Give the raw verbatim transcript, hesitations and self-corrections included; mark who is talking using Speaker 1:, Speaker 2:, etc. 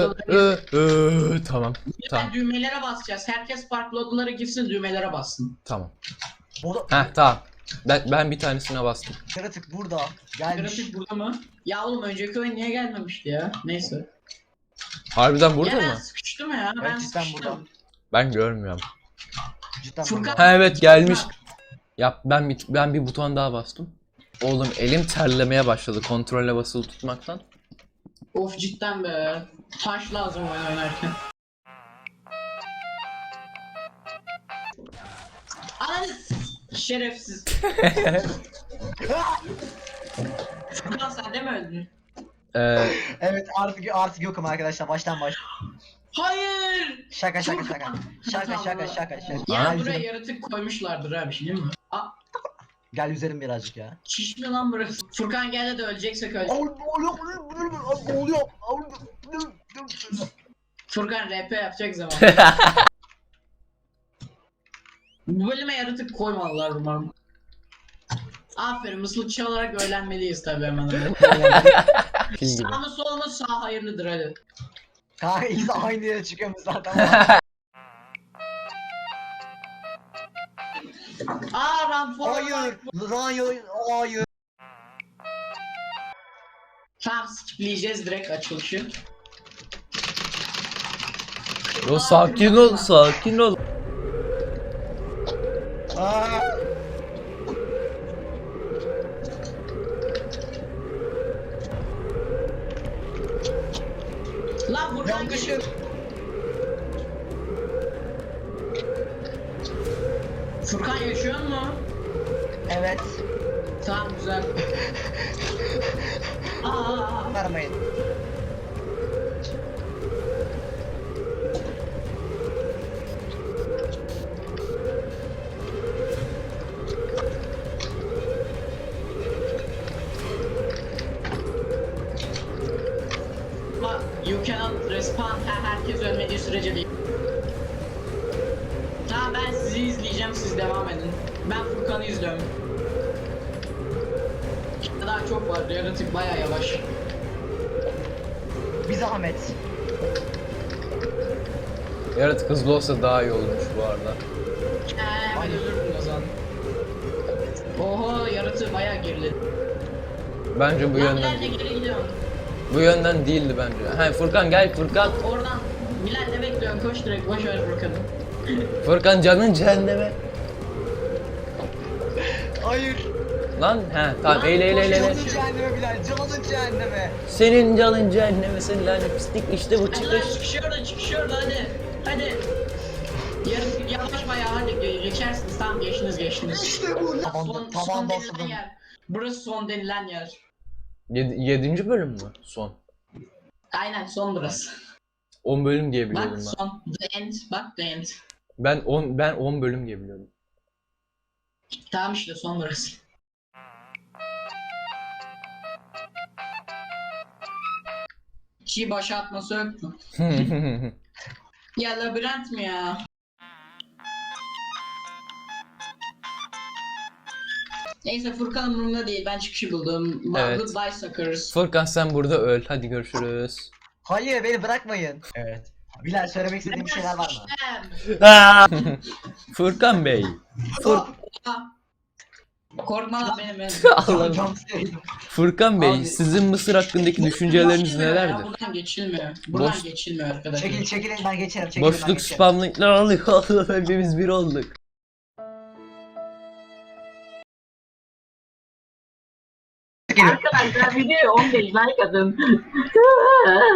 Speaker 1: ı, ı. Tamam.
Speaker 2: Ben
Speaker 1: Tamam.
Speaker 2: düğmelere basacağız. Herkes farklı odalara girsin, düğmelere bassın.
Speaker 1: Tamam.
Speaker 3: Burada
Speaker 1: Heh tamam. Ben, ben bir tanesine bastım.
Speaker 3: yaratık burada gelmiş.
Speaker 2: Grafik burada mı? Ya oğlum önceki oyun niye gelmemişti ya? Neyse.
Speaker 1: Harbiden burada
Speaker 2: ya ben
Speaker 1: mı?
Speaker 2: sıkıştım ya.
Speaker 3: Evet,
Speaker 2: Ben
Speaker 3: cidden
Speaker 2: sıkıştım.
Speaker 3: burada.
Speaker 1: Ben görmüyorum.
Speaker 3: Cidden
Speaker 2: Furkan-
Speaker 3: burada.
Speaker 1: Ha evet gelmiş. Yap ben bir ben bir buton daha bastım. Oğlum elim terlemeye başladı kontrolle basılı tutmaktan.
Speaker 2: Of cidden be. Taş lazım oyun oynarken. Ananı şerefsiz. Furkan sen de mi öldün?
Speaker 1: Ee,
Speaker 3: Evet artık artık yokum arkadaşlar baştan baş.
Speaker 2: Hayır.
Speaker 3: Şaka şaka şaka. Şaka şaka şaka şaka.
Speaker 2: Ya
Speaker 3: Gel
Speaker 2: buraya
Speaker 3: üzerim,
Speaker 2: yaratık koymuşlardır ha bir şey değil mi? Aa,
Speaker 3: gel üzerim birazcık ya.
Speaker 2: şiş mi lan burası? Furkan gel de öleceksek öl.
Speaker 3: Oluyor.
Speaker 2: Furkan R P yapacak zaman. Bu bölüme yaratık koymalılar umarım. Aferin, mıslıkçı olarak öğrenmeliyiz tabii hemen.
Speaker 1: Fil gibi.
Speaker 2: Sağ mı sol mu? Sağ hayırlıdır hadi.
Speaker 3: Kanka ikisi aynı yere çıkıyoruz zaten.
Speaker 2: Aa run for
Speaker 3: Hayır. Hayır. Hayır.
Speaker 2: Tamam skipleyeceğiz direkt açılışı.
Speaker 1: Yo sakin ol sakin ol.
Speaker 3: Aa.
Speaker 2: Lan buradan
Speaker 3: Yanlış
Speaker 2: geçin.
Speaker 3: yer.
Speaker 2: Furkan yaşıyor mu?
Speaker 3: Evet.
Speaker 2: Tamam güzel. Aa.
Speaker 3: Vermeyin.
Speaker 2: Ama you cannot respawn her herkes ölmediği sürece değil. Tamam ben sizi izleyeceğim, siz devam edin. Ben Furkan'ı izliyorum. Daha çok var, yaratık bayağı yavaş.
Speaker 3: Bir zahmet.
Speaker 1: Yaratık hızlı olsa daha iyi olmuş bu arada.
Speaker 2: Eee ben ölürdüm o zaman. Oho yaratığı bayağı geriledi.
Speaker 1: Bence bu
Speaker 2: Lan
Speaker 1: yönden
Speaker 2: Bilal de
Speaker 1: değil.
Speaker 2: geri gidiyorum.
Speaker 1: Bu yönden değildi bence. He Furkan gel Furkan.
Speaker 2: Oradan Bilal ne bekliyorsun? Koş direkt, boş ver Furkan'ı.
Speaker 1: Furkan canın cehenneme.
Speaker 3: Hayır.
Speaker 1: Lan he tamam eyle eyle eyle. eyle.
Speaker 3: Canın cehenneme Bilal. Canın cehenneme.
Speaker 1: Senin canın cehenneme senin lanet pislik işte bu
Speaker 2: Hadi lan
Speaker 1: çıkış.
Speaker 2: çıkış orada, çıkış orada hadi. Hadi. Yarın yavaş bayağı hadi ge- geçersiniz, tamam geçtiniz geçtiniz.
Speaker 3: İşte bu.
Speaker 2: Son,
Speaker 3: Tavan,
Speaker 2: son
Speaker 3: tavan
Speaker 2: denilen
Speaker 3: bastırdım.
Speaker 2: yer. Burası son denilen yer.
Speaker 1: Yedi, yedinci bölüm mü? Son.
Speaker 2: Aynen son burası.
Speaker 1: on bölüm diye
Speaker 2: Bak
Speaker 1: biliyordum ben.
Speaker 2: son. The end. Bak the end.
Speaker 1: Ben on ben on bölüm diye biliyordum.
Speaker 2: Tamam işte son burası. Çiğ boşaltması yok mu? Ya labirent mi ya? Neyse Furkan umurumda değil, ben çıkışı buldum.
Speaker 1: Evet.
Speaker 2: Goodbye suckers.
Speaker 1: Furkan sen burada öl. Hadi görüşürüz.
Speaker 3: Hayır beni bırakmayın. Evet. Bilal söylemek istediğin bir şeyler var mı?
Speaker 1: Furkan Bey. Fur
Speaker 2: Korkma lan benim benim.
Speaker 1: Allah'ım.
Speaker 3: Cam sevdim.
Speaker 1: Furkan Bey,
Speaker 3: Abi-
Speaker 1: sizin Mısır hakkındaki düşünceleriniz
Speaker 2: Geçilmiyor ya,
Speaker 1: nelerdir?
Speaker 2: Buradan geçilmiyor. Buradan
Speaker 1: Boş-
Speaker 2: geçilmiyor arkadaşlar.
Speaker 3: Çekilin çekilin ben geçerim. Çekilin ben
Speaker 1: Boşluk
Speaker 3: geçerim.
Speaker 1: spam linkler aldık. Hepimiz bir olduk.
Speaker 3: Çekilin.
Speaker 2: Arkadaşlar videoya on beş like atın.